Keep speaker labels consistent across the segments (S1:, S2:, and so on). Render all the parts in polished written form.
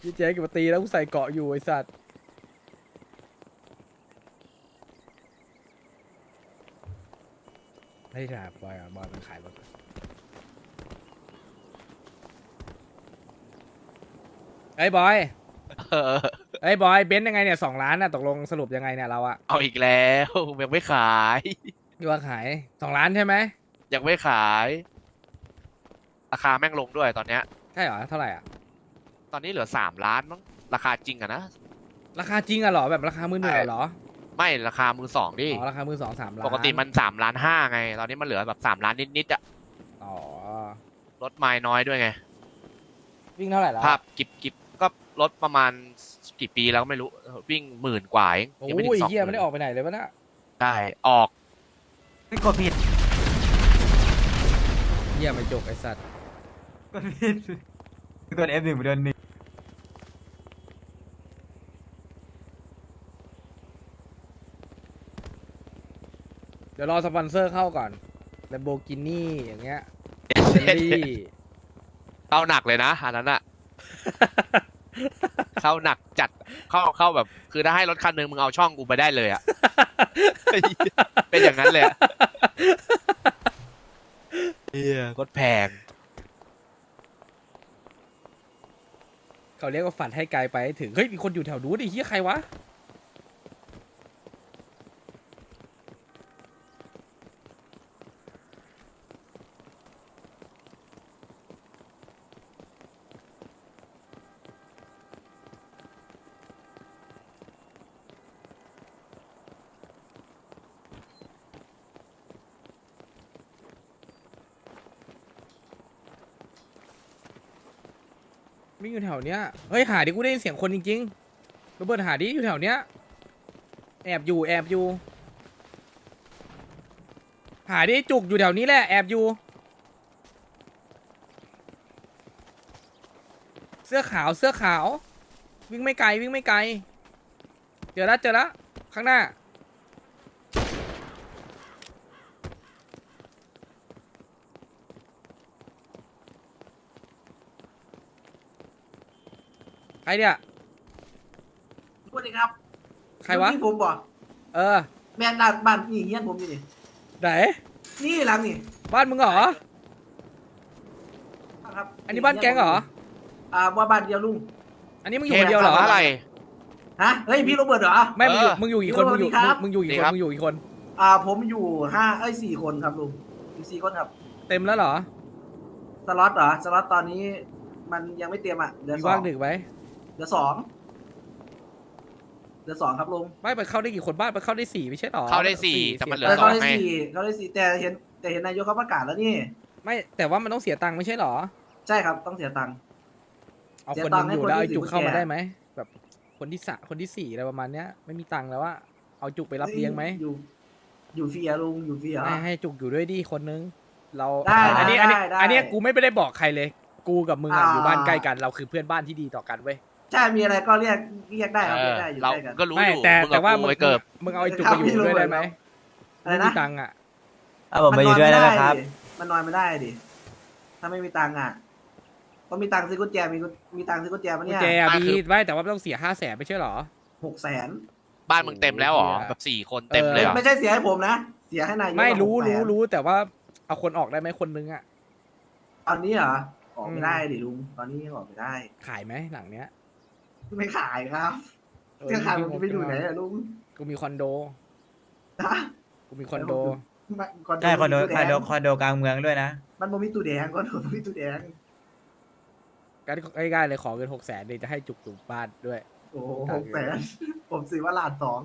S1: เจ๊กับมาตีแล้วกูใส่เกาะอยู่ไอ้สัตว์ไม่ได้ถามบอยอ่ะบอยมันขายรถไอ้ยบอย
S2: เออ
S1: ไอ้ยบอยเบนซ์ยังไงเนี่ย2 ล้านน่ะตกลงสรุปยังไงเนี่ยเราอะ
S2: เอาอีกแล้วยังไม่ขาย
S1: ที่ว่าขาย2 ล้านใช่ไหม
S2: ยังไม่ขายราคาแม่งลงด้วยตอนเนี้ย
S1: ใช่เหรอเท่าไหร่อ่ะ
S2: ตอนนี้เหลือ3 ล้านมั้งราคาจริงอะนะ
S1: ราคาจริงอะเหรอแบบราคามือหนึ่งเหรอ
S2: ไม่ราคามือสองดิ
S1: อ๋อราคามือ2-3 ล้าน
S2: ปกติมัน3.5 ล้านไง ตอนนี้มันเหลือแบบ3 ล้านนิดๆอะ
S1: อ๋อ
S2: ลดไม้น้อยด้วยไง
S1: วิ่งเท่าไหร่แล้ว
S2: ภาพกิบก็ลดประมาณกี่ปีแล้วก็ไม่รู้วิ่ง10,000 กว่าเอง
S1: โอ้
S2: ยังไม่ถึง
S1: ยเฮีย
S2: 20,000
S1: ไม่ได้ออกไปไหนเลยวะน่ะ
S2: ได้ออก
S3: ไม่กดผิด
S1: เฮียไม่จกไอ้สัตว์
S3: กดผิดกด F1 ไปโดน1
S1: เดี๋ยวรอสปอนเซอร์เข้าก่อน Lamborghini อย่างเงี้ยเบลลี่
S2: เข้าหนักเลยนะอันนั้นอะ เข้าหนักจัดเข้าแบบคือถ้าให้รถคันหนึงมึงเอาช่องกูไปได้เลยอะ เป็นอย่างนั้นเลยอะเฮียก็แพง
S1: เขาเรียกว่าฝันให้ไกลไปให้ถึง เฮ้ยมีคนอยู่แถวนู้นไอ้เฮียใครวะ วิ่งอยู่แถวเนี้ย เฮ้ยหาดิกูได้ยินเสียงคนจริงๆโรเบิร์ตหาดิอยู่แถวเนี้ย แอบอยู่ หาดิจุกอยู่แถวนี้แหละแอบอยู่ เสื้อขาว วิ่งไม่ไกลเจอแล้วข้างหน้า ใครเนี่ย
S4: สวัสดีครับ
S1: ใครวะ
S4: นี่ผมบอก
S1: เออ
S4: แม่นด้านบ้านนี่เฮียนผมอยู่นี่
S1: ไหน
S4: นี่หลังนี่
S1: บ้านมึงเหรอ
S4: ครับ
S1: อันนี้บ้านแก๊งเหรอ
S4: ว่าบ้านเดียวลุง
S1: อันนี้มึงอยู่คนเดียวเหรอ
S2: ทำอะไร
S4: ฮะเฮ้ยพี่โรเบิร์ตเหรอ
S1: ไม่มึงอยู่
S2: เออ
S1: มึงอยู่กี่คน
S4: สวัสดีครับ
S1: มึงอยู่กี่
S2: สวัสดี
S1: คน
S2: ครับ
S1: มึงอยู่กี่คน
S4: ผมอยู่4 คนครับลุงอยู่4 คนครับ
S1: เต็มแล้วเหรอ
S4: สล็อตเหรอสล็อตตอนนี้มันยังไม่เต็มอ่ะเหลือ
S1: มี
S4: สอ
S1: ว่าง
S4: ง
S1: ดึกไหม
S4: เหลือ 2เหลือ 2ครับลุง
S1: ไม่ไปเข้าได้กี่คนบ้านไปเข้าได้4ไม่ใช่หรอ
S2: เข้าได้สี่แต่มันเหลือ
S4: แล้ว
S2: ส
S4: เขา
S2: อง
S4: ได้
S2: ไง
S4: 4แต่เห็นนายกเขาประกาศแล้วนี่
S1: ไม่แต่ว่ามันต้องเสียตังค์ไม่ใช่หรอ
S4: ใช่ครับต้องเสียตังค์
S1: เอา
S4: เสีย
S1: คนห
S4: ตั
S1: นึ
S4: ง
S1: ง
S4: ค์ให้
S1: อยู่
S4: คน
S1: แล้ว
S4: ที่
S1: เอาจุก
S4: สี่
S1: เข้ามา
S4: คนแก่
S1: ได้ไหมแบบคนที่คนที่4อะไรประมาณเนี้ยไม่มีตังค์แล้วว่าเอาจุกไปรับเลี้ยงไหม
S4: อยู่ฟรีอะลุงอยู่ฟรีเหรอ
S1: ให้จุกอยู่ด้วยดิคนนึงเรา
S4: ได้
S1: อันนี้
S4: ได้
S1: อันนี้กูไม่ได้บอกใครเลย กูกับมึงอะ
S4: อ่า
S1: อยู่บ้านใกล้กันเราคือเพื่อนบ้านที่ดีต่อกันเว้ย
S4: ใช่มีอะไรก็เรียกได้ครับเรียกได้อยู่
S2: เรา
S4: ใกล้กัน
S2: ก็รู้
S1: ไม่
S2: อยู่
S1: แต่
S2: มึง
S1: แต่
S2: กับ
S1: ว่า
S2: กู
S1: มึง
S2: ไปเกิบ
S1: มึงเอาไอ้จุกไปอยู่ด้วยได้ไหม
S4: อะไร
S1: ไม่
S4: นะ
S1: มีตังค์อะ
S3: ผมมาอยู่ด้วยแล้วนะครับ
S4: มันนอนไม่ได้ดิ ถ้าไม่มีตังค์อ่ะก็มีตังค์ซื้อกุญแจมีตังค์ซื้อกุญแจมา
S1: กุญ
S4: เนี่ย
S1: แจอะ
S2: อ่ะ
S1: มี
S2: คือ
S1: ไม่แต่ว่าต้องเสีย500,000ไม่ใช่หรอ
S4: 600,000
S2: บ้านมึงเต็มแล้วเหรอ
S1: โอ้โห
S2: แบบ4 คนเต็มเลยเหรอ
S4: ไม่ใช่เสียให้ผมนะ เสียให้นายก
S1: ไม่รู้
S4: 600,000
S1: แต่ว่าเอาคนออกได้ไหมคนนึงอะ
S4: ตอนนี้เหรอ ออกไม่ได้ดิลุง ตอนนี้ยังออกไม่ได้
S1: ขายไหมหลังเนี้ย
S4: ไม่ขายครับ
S1: เออ
S4: จะขายผมจะไปอยู่ไหนอะลุง
S1: กูมีคอนโด
S4: นะ
S1: กูมีคอนโด
S3: ใช่คอนโด
S4: มีตู้แง
S3: คอนโดกลางเมืองด้วยนะ
S4: มันบ่มีตู้แดงก็บ่มีตู้แดง
S1: กันง่ายๆเลยขอเงิน600,000เลยจะให้จุกบ้านด้วย
S4: โอ้600,000ผมซื้อว่า1,200,000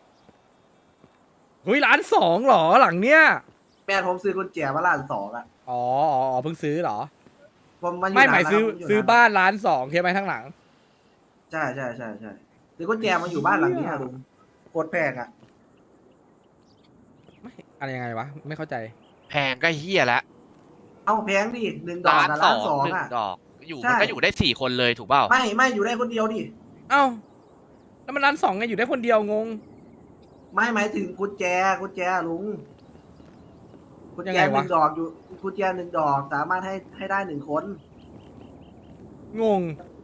S1: เฮ้ย1,200,000หรอหลังเนี้ย
S4: แม่ผมซื้อกุญแจว่า1,200,000อ่ะ
S1: อ๋อเพิ่งซื้อเหรอ
S4: ผมมาอยู่
S1: ไม่หมาย
S4: นน
S1: ซื้อ
S4: แล้วครับ
S1: ซื้อบ้าน1,200,000ใช่ไหมทั้งหลัง
S4: ใช่ซื้อกุญแจมาอยู่บ้านหลังนี้อะลุงโคตรแพงอ่ะ
S1: ไม่อะไรยังไงวะไม่เข้าใจ
S2: แพงก็เฮี้ยแล้ว
S4: เอาแพงดิ1 ดอกกับ
S2: 1,200,000
S4: 1,200,000
S2: 1
S4: อ่ะ
S2: ดอกอยู่
S4: ใช่
S2: มันก็อยู่ได้4 คนเลยถูกเปล่า
S4: ไม่อยู่ได้คนเดียวดิ
S1: เอ้าแล้วมัน1,200,000ไงอยู่ได้คนเดียวงง
S4: ไม่หมายถึงกุญแจลุงกุญ
S1: ยัง
S4: แจ
S1: ไง
S4: ห
S1: วะ
S4: นึ่งดอกอยู่กุญแจ1 ดอกสามารถให้ได้1 คน
S1: งง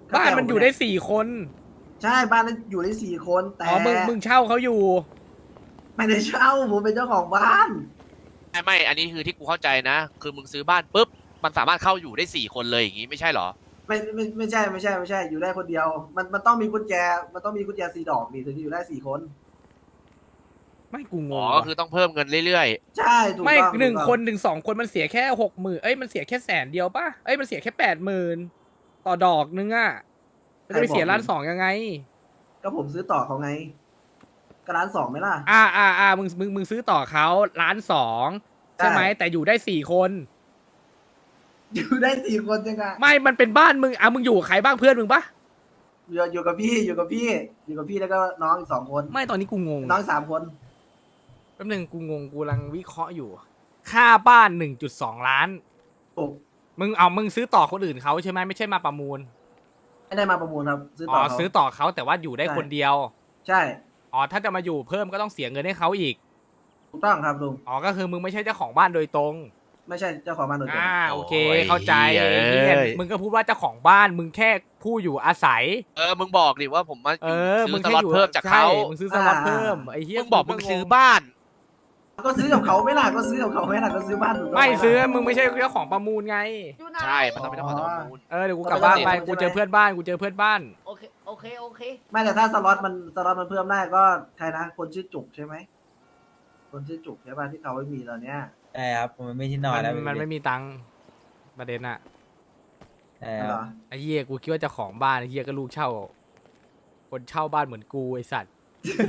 S1: บ้านมันอยู่ได้4 คน
S4: ใช่บ้านนั้นอยู่ได้4 คนแต่
S1: อ๋อมึงเช่าเขาอยู่
S4: ไม่ได้เช่าผมเป็นเจ้าของบ้าน
S2: ไม่อันนี้คือที่กูเข้าใจนะ คือมึงซื้อบ้านปุ๊บมันสามารถเข้าอยู่ได้4 คนเลยอย่างงี้ไม่ใช่เหรอ
S4: ไม่ใช่อยู่ได้คนเดียว มันต้องมีกุญแจมันต้องมีกุญแจ4 ดอกนี่ถึงจะอยู่ได้4 คน
S1: ไม่กูง
S2: อ๋
S1: ง
S2: อ
S1: ว่ะ
S2: ก็คือต้องเพิ่มเงินเรื่อย
S4: ใช่ถูก
S1: ไม่
S4: ต้อง
S1: หนึ่ง
S4: ถูกต้อง
S1: คนถึง2 คนมันเสียแค่60,000เอ้ยมันเสียแค่100,000ป่ะเอ้ยมันเสียแค่80,000ต่อดอกนึงอ่ะมันจะไปเสีย1,200,000ยังไง
S4: ก็ผมซื้อต่อเขาไงก็1,200,000ไหมล่ะ
S1: มึงซื้อต่อเขา1,200,000ใช่ไหม
S4: ใช่
S1: แต่อยู่ได้4 คน
S4: อยู่ได้4 คนจังไง
S1: ไม่มันเป็นบ้านมึงมึงอยู่กับใครบ้างเพื่อนมึงปะ
S4: อยู่กับพี่อยู่กับพี่แล้วก็น้องอีก2 คน
S1: ไม่ตอนนี้กูงง
S4: น้อง3 คน
S1: แป๊บนึงกูงงกูกำลังวิเคราะห์อยู่ ค่าบ้าน 1.2 ล้าน
S4: โอ้
S1: มึงซื้อต่อคนอื่นเขาใช่ไหมไม่ใช่มาประมูล
S4: ไม่ได้มาประมูลครับซื้อ
S1: อ๋
S4: ต่
S1: อ
S4: อเขา
S1: ซื้อต่อเขาแต่ว่าอยู่ได้
S4: ใช่
S1: คนเดียว
S4: ใช่
S1: อ๋อถ้าจะมาอยู่เพิ่มก็ต้องเสียเงินให้เขาอีก
S4: ถูกต้องครับลุง
S1: อ๋อก็คือมึงไม่ใช่เจ้าของบ้านโดยตรง
S4: ไม่ใช่เจ้าของบ้านโดยตรง
S1: โอเค
S2: โอ้ย
S1: เข้าใจ
S2: เอ้ย
S1: ไอ้เหี้ยมึงก็พูดว่าเจ้าของบ้านมึงแค่ผู้อยู่อาศัย
S2: มึงบอกดิว่าผมมาซื้
S1: มึ
S2: อง ส
S1: แค่
S2: ล็อต
S1: อยู่
S2: เพิ่มจากเขา
S1: ใช่มึงซื้อสล็อตเพิ่มไอ้เหี้ย
S2: มึงบอกมึงซื้อบ้าน
S4: ก็ซื้อกับเขาไม่ล่ะก็ซื้อกับเขาไม่ล่ะก็ซื้อบ้านถูกต้อง
S1: ไม่
S4: หล่ะ
S1: ซื้อมึงไม่ใช่เจ้าของประมูลไง
S2: ใช่มันต้องเป็นเจ้าของประมูล
S1: เดี๋ยวกูกลับบ้านไป
S4: เอาไป
S1: กูเจอเพื่อนบ้านกูเจอเพื่อนบ้าน
S5: โอเค
S4: ไม่แต่ถ้าสล็อตมันเพิ่มได้ก็ใครนะคนชื่อจุกใช่ไหมคนชื่อจุกใช่ป่ะที่เขาไม่มีตอนเนี้ย
S3: ใช่ครับมันไม่ที่นอนแล้ว
S1: มันไม่มีตังค์ประเด็นอะ
S3: ใช่
S4: นั่น
S3: ค
S4: เหร
S3: รับ
S4: อ
S1: ไอ้เหี้ยกูคิดว่าเจ้าของบ้านไอ้เหี้ยก็ลูกเช่า คนเช่าบ้านเหมือนกูไอ้สัตว์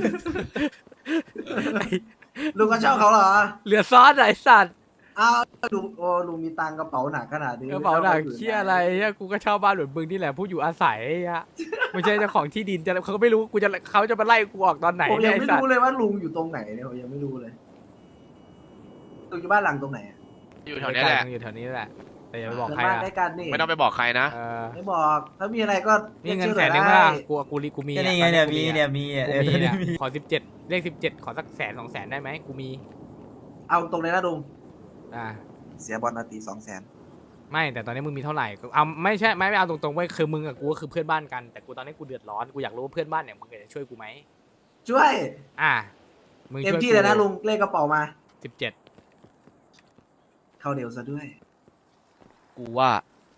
S4: ลุงก็เช่าเขาเหรอ
S1: เหลือซอสไอ้สัตว์
S4: อ้าวลุงมีตังค์กระเป๋าหนักขนาดนี้
S1: กระเป๋าหนักเชี่ยอะไรเหี้ยกูก็เช่าบ้านเหมือนมึงนี่แหละผู้อยู่อาศัยไอ้เหี้ยไม่ใช่เจ้าของที่ดินจะเขาก็ไม่รู้เขาจะมาไล่กูออกตอนไหน
S4: ผม
S1: เนี่
S4: ยั
S1: ย
S4: ง
S1: ไอ้
S4: ไม่
S1: สัต
S4: รู้
S1: ว์
S4: เลยว่าลุงอยู่ตรงไหนเนี่ยผมยังไม่รู้เลยลุงอยู่บ้านหลังตรงไหนอะ
S2: อยู่แถวนี้แหละ
S1: มึงอยู่แถวนี้แหละแต่อย่าไปบอก
S4: เพื่อน
S1: ใคร
S4: บ้าน
S1: อะ
S4: ใกล้กันนี่
S2: ไม่ต้องไปบอกใครนะ
S1: เออ
S4: ไม่บอกถ้ามีอะไรก็
S1: นี่เงิน
S4: รียก
S1: แส
S4: ชื่อน
S1: หนึ่ง
S4: ได้
S1: ป่ะกูมี
S3: ก็
S1: อะ
S3: นี่ไงเนี่ยมีเนี่ยมี
S1: กูมี
S3: ตอนนี้
S1: เนี่ย
S3: มี
S1: ขอ17เลข17ขอสัก100,000-200,000ได้ไหมกูมี
S4: เอาตรงเลยนะลุง
S1: อ่า
S4: เสียบอลนาที200,000
S1: ไม่แต่ตอนนี้มึงมีเท่าไหร่เอาไม่ใช่ไม่เอาตรงๆไว้คือมึงกับกูก็คือเพื่อนบ้านกันแต่กูตอนนี้กูเดือดร้อนกูอยากรู้ว่าเพื่อนบ้านเนี่ยมึงจะช่วยกูไหม
S4: ช่วย
S1: มึง
S4: เต็ม
S1: ช่วย
S4: ที่เลยนะลุงเลขกระเป๋ามา
S1: 17
S4: เข้าเร็วซะด้วย
S2: กูว่า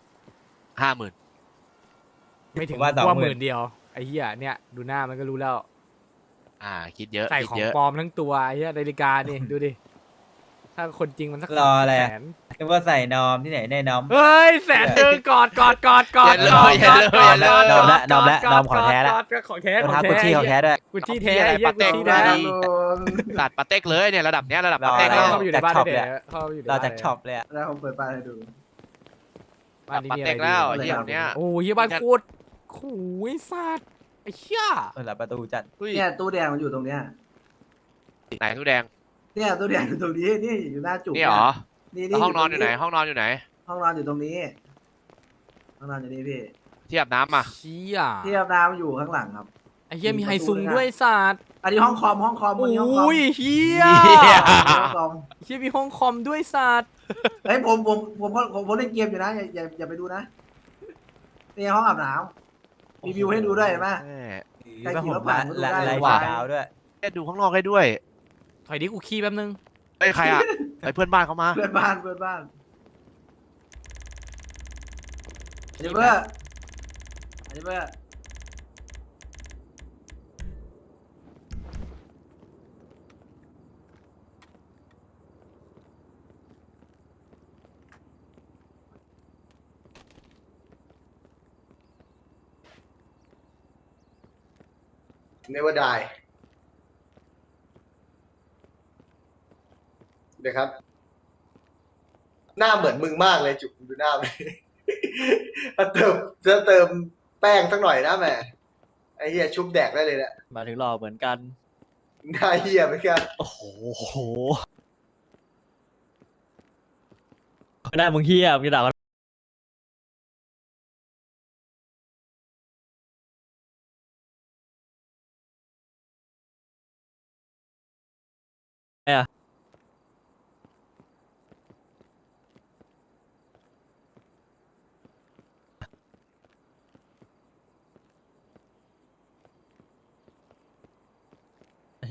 S2: 50,000
S1: ไม่ถึง
S3: ว่า
S1: ว่า
S3: 20,000
S1: 10,000เดียวไอ้เหี้ยเนี่ยดูหน้ามันก็รู้แล้ว
S2: คิดเยอะ
S1: ใส่
S2: คิด
S1: ของ
S2: เยอะ
S1: ปลอมทั้งตัวไอ้เหี้ยนาฬิกานี่ ดูดิถ้าคนจริงมันสัก
S3: รออะไร
S1: แส
S3: อะ
S1: น
S3: นึกว่าใส่นอมที่ไหนได้นอม
S1: เฮ้ย100,000กอด
S2: อย่าเลยอย่าเลยอย่าเลย
S3: นอมละนอมละนอมของแท้ละ
S1: ของแท้
S3: รองเท้ากุชชี่ของแท้ด้วย
S1: กุชชี่แท้ไอ้เหี้ย
S2: ปาเต้
S1: กุชชี่
S2: ได้
S1: แท้
S2: ดี ตัดปาเต็กเลยเนี่ยระดับเนี้ยระดับ
S3: รอ
S2: ปาเต็ก
S3: อะไร
S2: แล้ว
S1: เข้าไปอยู่ในบ้าน
S3: จากช็อป
S1: ได้
S3: เลย
S1: เดี๋ยวเข้าไปอยู่ใน
S3: เรา
S1: บ้าน
S3: จากช็อปเลยอะ
S4: แล้วผมเปิดป้ายให้ดู
S1: บ้านนี้
S2: ปา
S1: มีอะ
S2: เต็
S1: ไร
S2: ก
S1: ดี
S2: แล้ว
S4: อะไร
S2: เยี่ยมเนี้ย
S1: โอ้ยบ้านโคตรโอ้ยสัตว์ไอ้เหี้ย
S3: เปิดประตูจัด
S2: อุ้ย
S4: เนี่ยตู้แดงมันอยู่ตรงเนี้ย
S2: ไหนตู้แดง
S4: เนี่ยตู้แดงอยู่ตรงนี้นี่อยู่หน้าจุก
S2: นี่เหรอ
S4: นี่
S2: แล้วห้องนอนอยู่ไหน ห้องนอนอยู่ไหน
S4: ห้องนอนอยู่ตรงนี้ห้องนอนอยู่นี่พี่
S2: ที่อาบน้ำอ่ะ
S1: เชี่ย
S4: ที่อาบน้ำอยู่ข้างหลังครับ
S1: ไอ้เหี้ยมีไฮซุงด้วยสัตว์
S4: อันนี้ห้องคอมวันนี้ห้องคอม
S1: โอ้ยเหี้ย
S4: ห้องคอม
S1: เหี้ยมีห้องคอมด้วยสัตว์
S4: เฮ้ยผมเล่นเกมอยู่นะอย่าไปดูนะนี่ห้องอาบน้ำมีวิวให้ดูด้วยเห็นไหม
S2: แม่
S4: ใคร
S3: แล้ว
S4: ขี่
S3: ผ
S4: ร
S3: ม
S4: ถผ่านก็ดู
S3: ละ
S4: ได้
S3: ไลฟ์
S2: ว่ะ
S3: ดาวด้วย
S2: แค่ดูข้างนอกให้ด้วย
S1: ถอยดิกูขี้แป๊บนึง
S2: เฮ้ยใครอ่ะไอเพื่อนบ้านเขามา
S4: เพื่อนบ้านอันนี้เพื่อ
S6: Never die เดี๋ยวครับ หน้าเหมือนมึงมากเลยจุกดูหน้ามัน เติมแป้งสักหน่อยนะแหม่ไอ้เหี้ยชุบแดกได้เลยเนี่ย
S7: มาถึงหล่อเหมือนกัน
S6: หน้าเหี้ยเหมือนกัน
S7: โอ้โหหน้ามึงเฮียมึงจะด่ากันไงอะ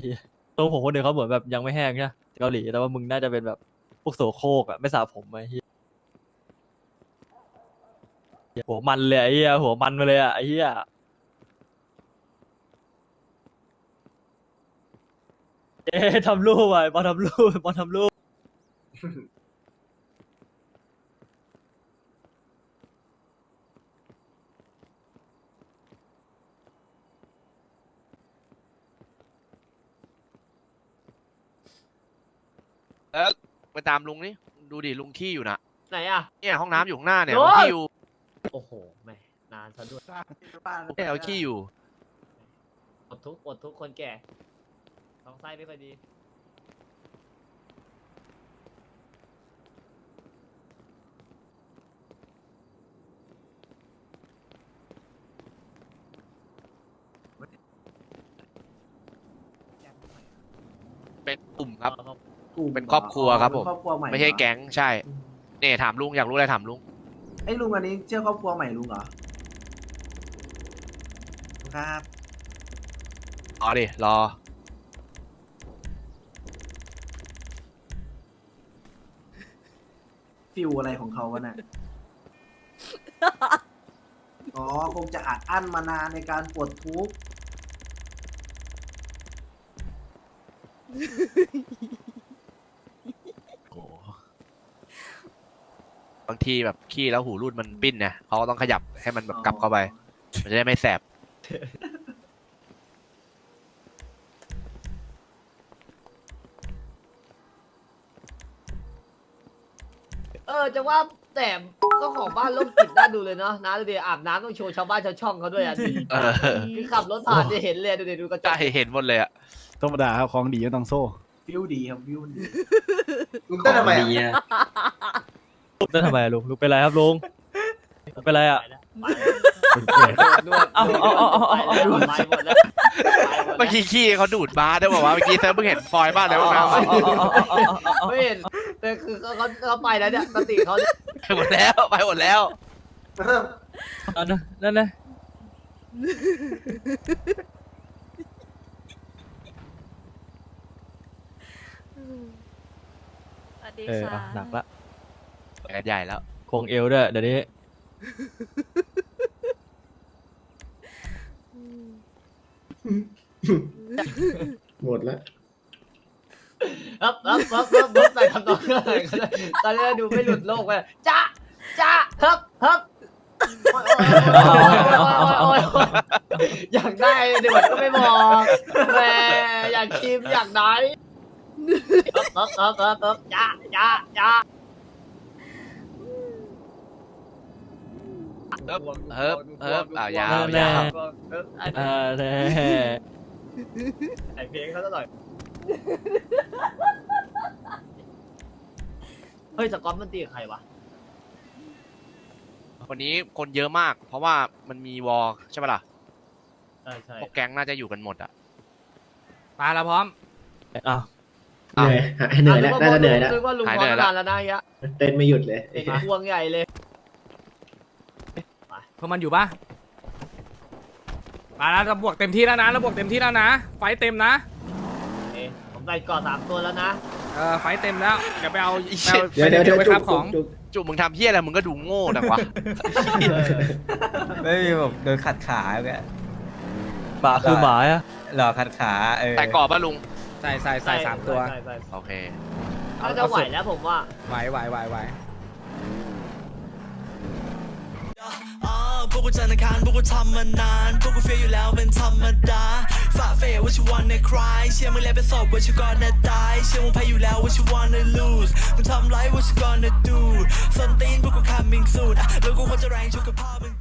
S7: เหี้ยตรงผมคนเดียวเขาเหมือนแบบยังไม่แห้งใช่ไหมเกาหลีแต่ว่ามึงน่าจะเป็นแบบพวกโสโครกอะไม่สระผมไอ้เหี้ยหัวมันเลยไอ้เหี้ยหัวมันมาเลยอะไอ้เหี้ยเอ๊ะทำรูปไว้บอลทำรูปบอลทำรูป
S2: แล้วไปตามลุงนี่ดูดิลุงขี้อยู่นะ
S5: ไหนอ่ะ
S2: เนี่ยห้องน้ำอยู่ข้างหน้าเนี่ย
S5: โอ้
S2: ลุง
S5: ย
S2: ขี้อยู่
S5: โอ้โหแหม่นานซะด้วย
S2: เนี่ยเอาขี้อยู่
S5: อดทุกคนแก่ท้องไส้ไม่ค่อยดี
S2: เป็นกลุ่มครับ
S4: กลุ่ม
S2: เป็นครอบครัวครับผม
S4: เป็นครอบครัวใหม่
S2: ไม่ใช่
S4: เหรอ
S2: แก๊งใช่เนี่ยถามลุงอยากรู้อะไรถามลุง
S4: ไอ้ยลุงอันนี้เชื่อครอบครัวใหม่ลุงเหรอครับ
S2: รอดิรอ
S4: ฟิลอะไรของเขาวะเนี่ย อ๋อคงจะอัดอั้นมานานในการปลดทุกข์
S2: โอ้บางทีแบบขี้แล้วหูรูดมันปิ้นเนี่ยเขาก็ต้องขยับให้มันแบบกลับเข้าไป มันจะได้ไม่แสบ
S5: จะว่าแต่ก็ของบ้านโรคจิตน่าดูเลยเนาะนะดูดิอาบน้ำต้องโชว์ชาวบ้านชาวช่องเขาด้วยอ่ะดูดิ
S2: เออ
S5: คือขับรถผ่านจะเห็นเลยดูดิดูกระจ
S2: ใช่
S5: ก
S2: เห็นหมดเลยอะ
S8: ธรรมดาครับของดีก็ต้องโซ่
S4: ฟิลดีครับฟิลดี
S6: ลุงเต้นทำไมอะ
S7: นั่นทำไมอะลุงเป็นไรครับลุงเป็นไรอะ
S5: นวด
S7: เอา
S5: ไปหมดแล้ว
S2: เมื่อกี้ขี้เขาดูดบาร์ได้บอกว่าเมื่อกี้เซิร์ฟเพิ่งเห็นฟอยล์บ้านแล้วนะ
S5: ไม่เห็นแต่คือเขาไปแล้วเนี่ยสติเขาเนี่ย
S2: ไปหมดแล้วไปหมดแล้ว
S7: นั่นนะ
S9: สวัสดี
S7: อ่ะ
S9: ค่ะ
S7: หนักละ
S2: ไปกันใหญ่แล้ว
S7: ควงเอวด้วยเดี๋ยวนี้
S6: หมดแล้ว
S5: ครับใส่คำตอบเลยตอนนี้ดูไม่หลุดโลกเลยจ้าครับอยากได้เดี๋ยวก็ไม่บอกแหมอยากชิมอยากได้ครับจ้า
S2: เฮิบยาว
S7: แน่
S2: ยาว
S7: แน่
S5: ไอเพลงเขาซะหน่อยเฮ้ยสกอตมันตีกับใครวะ
S2: วันนี้คนเยอะมาก เพราะว่ามันมีวอลใช่ปะล่ะ
S5: ใช่
S2: พวกแก๊งน่าจะอยู่กันหมดอะ
S1: มาแล้วพร้อม
S7: อ้าว
S6: เหนื่อยแล้วน่าจะเหนื่อยแล้ว
S5: นึกว่าลุงพร้อมนานแล้วนะยะ
S6: เต้นไม่หยุดเลย
S5: เด็กพวงใหญ่เลย
S1: พวกมันอยู่ปะมาแล้วเราบวกเต็มที่แล้วนะเราบวกเต็มที่แล้วนะ ไฟเต็มนะ
S5: ผมใส่ก่อ3 ตัวแล้วนะ
S1: ไฟเต็มแล้ว เดี๋ยวไปเอา
S6: เดี๋ยว
S1: ไปครับของ
S2: จุกมึงทำเพี้ยอะไรมึงก็ดูโง่ดังวะ
S3: ไม่มีแบบโดนขัดขาแก
S7: ป่าคือหมาอะ
S3: หลอกขัดขา
S2: แต่กรอบป่ะลุง
S1: ใส่3 ตัว
S5: ใส่
S2: โอเค
S5: น่าจะไหวแล้วผมว่า
S1: ไหว
S10: พวกกูจันทร์อังคารพวกกูทำมานานพวกกูเฟียอยู่แล้วเป็นธรรมดาฝ่าเฟย what you wanna cry เชื่อมึงแล้วเป็นศพ what you gonna die เชื่อมึงแพ้อยู่แล้ว what you wanna lose มึงทำไร what you gonna do ส้นตีนพวกกู coming soon แล้วกูควรจะแรงชุกกับพ่อมึง